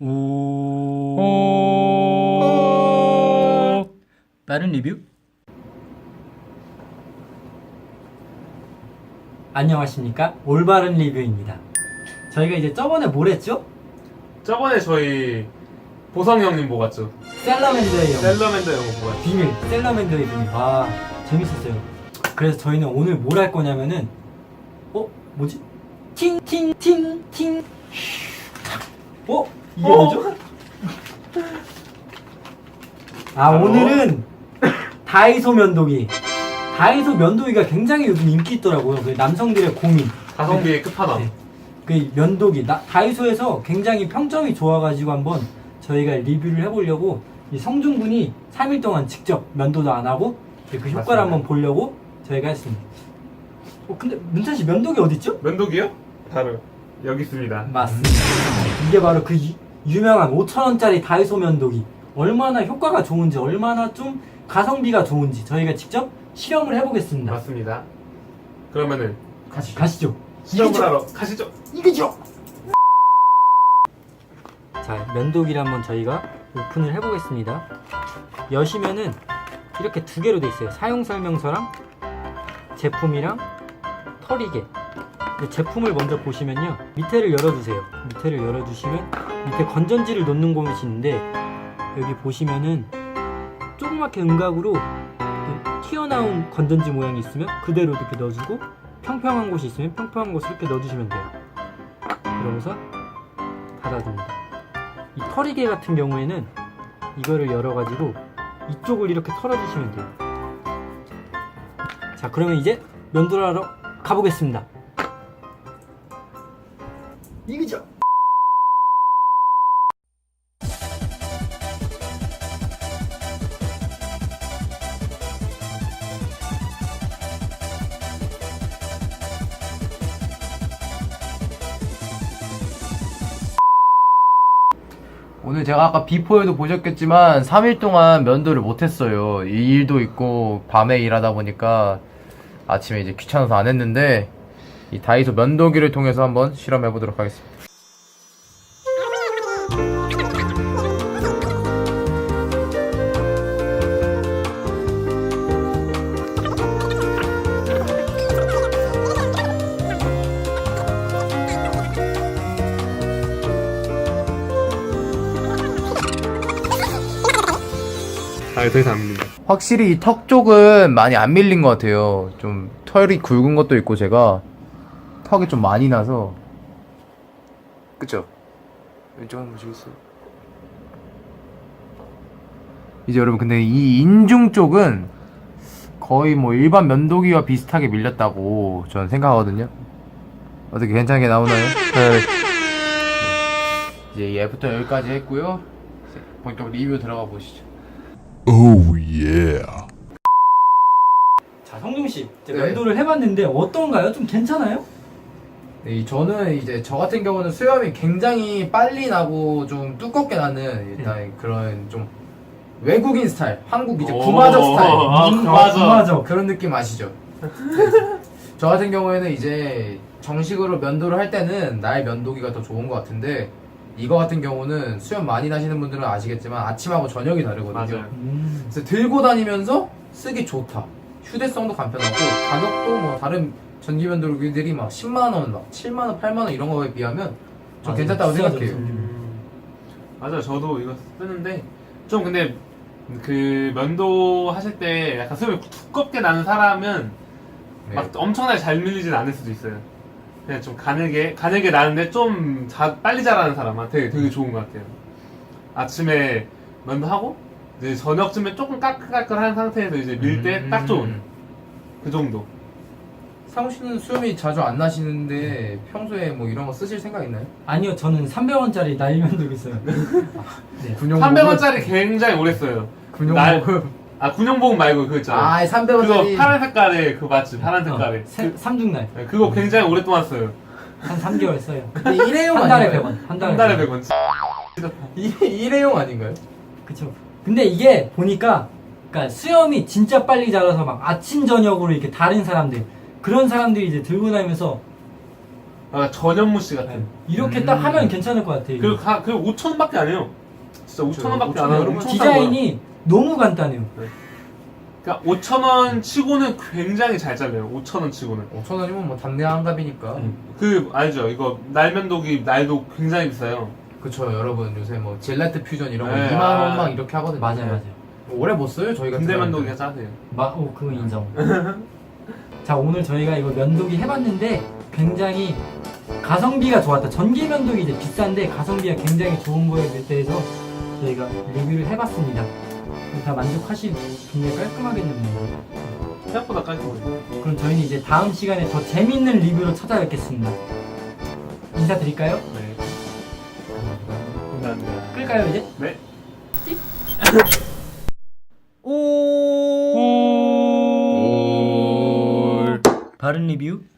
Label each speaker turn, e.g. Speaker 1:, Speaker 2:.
Speaker 1: 오. 빠른 리뷰. 안녕하십니까, 올바른 리뷰입니다. 저희가 이제 저번에 뭘 했죠?
Speaker 2: 저번에 저희 보성 형님 보고 갔죠.
Speaker 1: 셀러맨더의 영웅
Speaker 2: 셀러맨더 영화 보고 갔죠.
Speaker 1: 비밀, 셀러맨더의 비밀. 아, 재밌었어요. 그래서 저희는 오늘 뭘 할 거냐면은 뭐지? 팅팅팅팅. 이게 뭐죠? 오늘은 다이소 면도기. 다이소 면도기가 굉장히 요즘 인기 있더라고요. 그 남성들의 고민.
Speaker 2: 가성비의 끝판왕.
Speaker 1: 네. 그 면도기 다이소에서 굉장히 평점이 좋아가지고 한번 저희가 리뷰를 해보려고 이 성준군이 3일 동안 직접 면도도 안 하고 그 효과를
Speaker 2: 맞습니다.
Speaker 1: 한번 보려고 저희가 했습니다. 근데 문찬씨 면도기 어딨죠?
Speaker 2: 면도기요? 바로 여기 있습니다.
Speaker 1: 맞습니다. 이게 바로 그 유명한 5,000원짜리 다이소 면도기. 얼마나 효과가 좋은지, 얼마나 좀 가성비가 좋은지 저희가 직접 실험을 해보겠습니다.
Speaker 2: 맞습니다. 그러면은
Speaker 1: 가시죠.
Speaker 2: 실험을 하러 가시죠.
Speaker 1: 이거죠. 자, 면도기를 한번 저희가 오픈을 해보겠습니다. 여시면은 이렇게 두 개로 돼 있어요. 사용 설명서랑 제품이랑 털이개. 제품을 먼저 보시면요, 밑에를 열어주세요. 밑에를 열어주시면 밑에 건전지를 놓는 곳이 있는데, 여기 보시면은 조그맣게 음각으로 이렇게 튀어나온 건전지 모양이 있으면 그대로 이렇게 넣어주고, 평평한 곳이 있으면 평평한 곳을 이렇게 넣어주시면 돼요. 그러면서 닫아줍니다. 이 털이개 같은 경우에는 이거를 열어가지고 이쪽을 이렇게 털어주시면 돼요. 자, 그러면 이제 면도를 하러 가보겠습니다. 이거죠.
Speaker 3: 오늘 제가 아까 비포에도 보셨겠지만 3일 동안 면도를 못했어요. 이 일도 있고 밤에 일하다 보니까 아침에 이제 귀찮아서 안 했는데, 이 다이소 면도기를 통해서 한번 실험해 보도록 하겠습니다.
Speaker 2: 더 이상 안 밀린다.
Speaker 3: 확실히 이 턱 쪽은 많이 안 밀린 것 같아요. 좀 털이 굵은 것도 있고 제가 턱이 좀 많이 나서. 그쵸? 왼쪽 한번 보시겠어요? 이제 여러분, 근데 이 인중 쪽은 거의 뭐 일반 면도기와 비슷하게 밀렸다고 저는 생각하거든요. 어떻게 괜찮게 나오나요? 네. 이제 이 애프터 여기까지 했고요. 이제 본격 리뷰 들어가 보시죠.
Speaker 4: Oh yeah.
Speaker 1: 자, 성중씨,
Speaker 3: 네.
Speaker 1: 면도를 해봤는데 어떤가요? 좀 괜찮아요?
Speaker 3: 네, 저는 이제 저 같은 경우는 수염이 굉장히 빨리 나고 좀 두껍게 나는 일단 그런 좀 외국인 스타일, 한국 이제 구마적 스타일.
Speaker 2: 구마적.
Speaker 3: 그런 느낌 아시죠? 네. 저 같은 경우에는 이제 정식으로 면도를 할 때는 나의 면도기가 더 좋은 것 같은데, 이거 같은 경우는 수염 많이 나시는 분들은 아시겠지만 아침하고 저녁이 다르거든요.
Speaker 2: 맞아요.
Speaker 3: 그래서 들고 다니면서 쓰기 좋다. 휴대성도 간편하고 가격도 뭐 다른 전기 면도기들이 막 10만원, 막 7만원, 8만원 이런 거에 비하면 좀
Speaker 1: 맞아요.
Speaker 3: 괜찮다고
Speaker 1: 비싸죠,
Speaker 3: 생각해요.
Speaker 2: 맞아요. 저도 이거 쓰는데 좀 근데 그 면도 하실 때 약간 수염이 두껍게 나는 사람은
Speaker 3: 네.
Speaker 2: 막 엄청나게 잘 밀리진 않을 수도 있어요. 그냥 좀 가늘게 나는데 좀 빨리 자라는 사람한테 되게 좋은 것 같아요. 아침에 면도하고 이제 저녁쯤에 조금 까끌까끌한 상태에서 이제 밀 때 딱 좋은 그 정도.
Speaker 3: 상우 씨는 수염이 자주 안 나시는데 평소에 뭐 이런 거 쓰실 생각 있나요?
Speaker 1: 아니요, 저는 300원짜리 나이 면도기 써요. 네.
Speaker 2: 300원짜리 굉장히 오래 써요.
Speaker 3: 군용복음.
Speaker 2: 군용복 말고 그거 있잖아요.
Speaker 3: 300원짜리.
Speaker 2: 그거 파란 색깔의 그 맞지? 파란 색깔의.
Speaker 1: 삼중날.
Speaker 2: 그거 굉장히 오랫동안 써요.
Speaker 1: 한 3개월 써요.
Speaker 3: 근데 일회용
Speaker 1: 한 달에
Speaker 3: 아닌가요?
Speaker 1: 100원.
Speaker 2: 한 달에 100원.
Speaker 3: 일회용 아닌가요?
Speaker 1: 그쵸. 근데 이게 보니까, 그러니까 수염이 진짜 빨리 자라서 막 아침 저녁으로 이렇게 다른 사람들, 그런 사람들이 이제 들고 다니면서
Speaker 2: 전현무씨 같은.
Speaker 1: 이렇게 딱 하면 괜찮을 것 같아요.
Speaker 2: 그리고 5,000원밖에 안 해요. 진짜 5,000원밖에 안 하고 엄청 싼
Speaker 1: 디자인이 너무 간단해요.
Speaker 2: 그러니까 5,000원 치고는 굉장히 잘 잘려요. 5,000원 치고는.
Speaker 3: 5,000원이면 뭐 당내 한갑이니까.
Speaker 2: 알죠? 이거 날면도기 날도 굉장히 비싸요.
Speaker 3: 그쵸, 여러분. 요새 뭐 젤라트 퓨전 이런 거
Speaker 2: 네,
Speaker 3: 2만원 막 이렇게 하거든요.
Speaker 1: 맞아요.
Speaker 3: 오래 못 써요, 저희 같은
Speaker 2: 근대
Speaker 3: 사람들.
Speaker 2: 면도기가 싸세요.
Speaker 1: 그거 인정. 자, 오늘 저희가 이거 면도기 해봤는데 굉장히 가성비가 좋았다. 전기 면도기 이제 비싼데 가성비가 굉장히 좋은 거에 대해서 저희가 리뷰를 해봤습니다. 다 만족하실 굉장히 깔끔하겠네요.
Speaker 2: 생각보다 깔끔해요.
Speaker 1: 그럼 저희는 이제 다음 시간에 더 재밌는 리뷰로 찾아뵙겠습니다. 인사드릴까요?
Speaker 2: 네. 감사합니다.
Speaker 1: 끌까요 이제?
Speaker 2: 네.
Speaker 1: 바른 리뷰